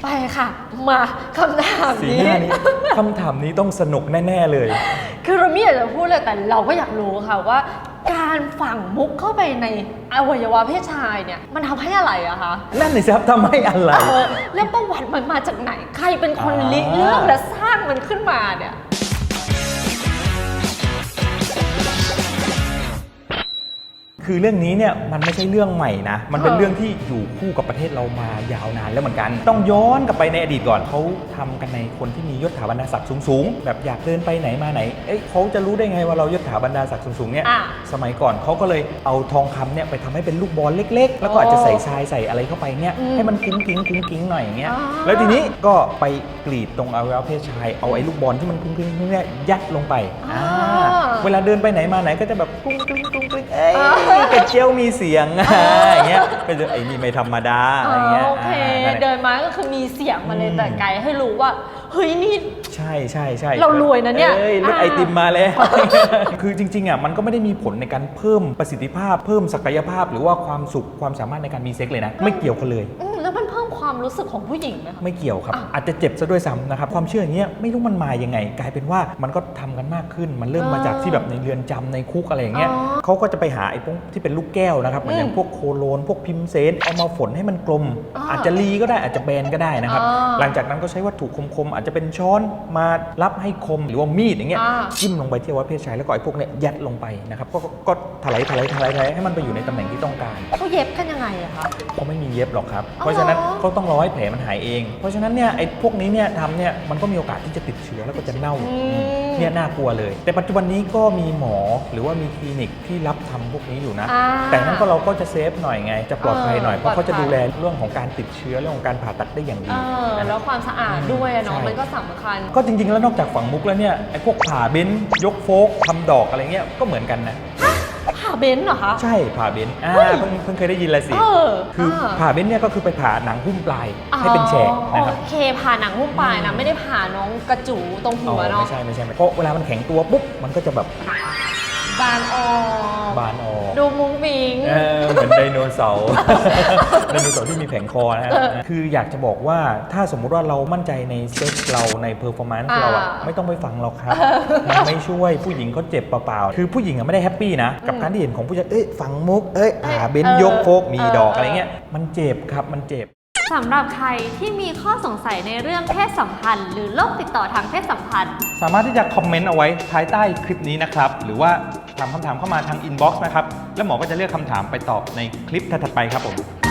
ค่ะมาคำถามนี้คำถามนี้ต้องสนุกแน่ๆเลยคือเราไม่อยากจะพูดเลยแต่เราก็อยากรู้ค่ะว่าการฝังมุกเข้าไปในอวัยวะเพศชายเนี่ยมันทำให้อะไรอะคะนั่นเลยครับทำให้อะไรแล้วประวัติมันมาจากไหนใครเป็นคนริเริ่มและสร้างมันขึ้นมาเนี่ยคือเรื่องนี้เนี่ยมันไม่ใช่เรื่องใหม่นะมันเป็นเรื่องที่อยู่คู่กับประเทศเรามายาวนานแล้วเหมือนกันต้องย้อนกลับไปในอดีตก่อนเขาทำกันในคนที่มียศถาบรรดาศักดิ์สูงๆแบบอยากเดินไปไหนมาไหนเขาจะรู้ได้ไงว่าเรายศถาบรรดาศักดิ์สูงๆเนี่ยสมัยก่อนเขาก็เลยเอาทองคำเนี่ยไปทำให้เป็นลูกบอลเล็กๆแล้วก็อาจจะใส่ทรายใส่อะไรเข้าไปเนี่ยให้มันกุ้งกิ้งหน่อยอย่างเงี้ยแล้วทีนี้ก็ไปกรีดตรงอวัยวะเพศชายเอาไอ้ลูกบอลที่มันกุ้งกิ้งเนี่ยยัดลงไปเวลาเดินไปไหนมาไหนก็จะแบบกุ้งกระเจียวมีเสียงอย่างเงี้ยก็จะไอ้นี่ไม่ธรรมดาอะไรเงี้ยโอเคเดินมาก็คือมีเสียงมาเลยแต่ไกลให้รู้ว่าเฮ้ยนี่ใช่เรารวยนะเนี่ยรถไอติมมาเลยคือจริงๆอ่ะมันก็ไม่ได้มีผลในการเพิ่มประสิทธิภาพเพิ่มศักยภาพหรือว่าความสุขความสามารถในการมีเซ็กเลยนะไม่เกี่ยวกันเลยแล้วมันเพิ่มความรู้สึกของผู้หญิงไหมคะไม่เกี่ยวครับอาจจะเจ็บซะด้วยซ้ำนะครับความเชื่ออย่างเงี้ยไม่รู้มันมายังไงกลายเป็นว่ามันก็ทำกันมากขึ้นมันเริ่มมาจากที่แบบในเรือนจำในคุกอะไรอย่างเงี้ยเขาก็จะไปหาไอ้พวกที่เป็นลูกแก้วนะครับเหมือนอย่างพวกโคโลนพวกพิมเซนเอามาฝนให้มันกลมอาจจะรีก็ได้อาจจะแบนก็ได้นะครับหลังจากนั้นก็ใช้วัตถุคมๆอาจจะเป็นช้อนมารับให้คมหรือว่ามีดอย่างเงี้ยจิ้มลงไปที่อวัยวะเพศชายแล้วก็ไอ้พวกเนี้ยยัดลงไปนะครับก็ถลายให้มันไปอยู่ในตำแหน่งที่ต้องการเขาเย็บกันยังไงอะคะเขาไม่มีเย็บหรอกครับเพราะฉะนั้นเขาต้องรอให้แผลมันหายเองเพราะฉะนั้นเนี่ยไอ้พวกนี้เนี่ยทำเนี่ยมันก็มีโอกาสที่จะติดเชื้อแล้วก็จะเน่าเนี่ยน่ากลัวเลยแต่ปัจจุบันนี้ก็มีหมอหรือว่ามีคลินิกที่รับทำพวกนี้อยู่นะแต่นั้นก็เราก็จะเซฟหน่อยไงจะปลอดภัยหน่อยเพราะเขาจะดูแลเรื่องของการติดเชื้อเรื่องของการผ่าตัดได้อย่างดีแล้วความสะอาดด้วยเนาะมันก็สำคัญก็จริงๆแล้วนอกจากฝังมุกแล้วเนี่ยไอ้พวกผ่าเบ้นยกโฟกทำดอกอะไรเงี้ยก็เหมือนกันนะผ่าเบนเหรอคะใช่ผ่าเบนเพิ่งเคยได้ยินละสิคือผ่าเบนเนี่ยก็คือไปผ่าหนังหุ้มปลายให้เป็นแฉกนะครับโอเคผ่าหนังหุ้มปลายนะไม่ได้ผ่าน้องกระจูตรงหัวเนาะไม่ใช่เพราะเวลามันแข็งตัวปุ๊บมันก็จะแบบบานออกดูมุ้งมิ้งเหมือนไดโนเสาร์ที่มีแผงคอนะฮะคืออยากจะบอกว่าถ้าสมมุติว่าเรามั่นใจในเซ็กเราในเพอร์ฟอร์แมนซ์เราไม่ต้องไปฟังเราครับมันไม่ช่วยผู้หญิงเขาเจ็บเปล่าๆคือผู้หญิงไม่ได้แฮปปี้นะกับการที่เห็นของผู้ชายฝังมุกผ่าเบนยกโฟกมีดอกอะไรเงี้ยมันเจ็บครับมันเจ็บสำหรับใครที่มีข้อสงสัยในเรื่องเพศสัมพันธ์หรือโรคติดต่อทางเพศสัมพันธ์สามารถที่จะคอมเมนต์เอาไว้ภายใต้คลิปนี้นะครับหรือว่าถามคำถามเข้ามาทางอินบ็อกซ์นะครับแล้วหมอก็จะเลือกคำถามไปตอบในคลิปถัดไปครับผม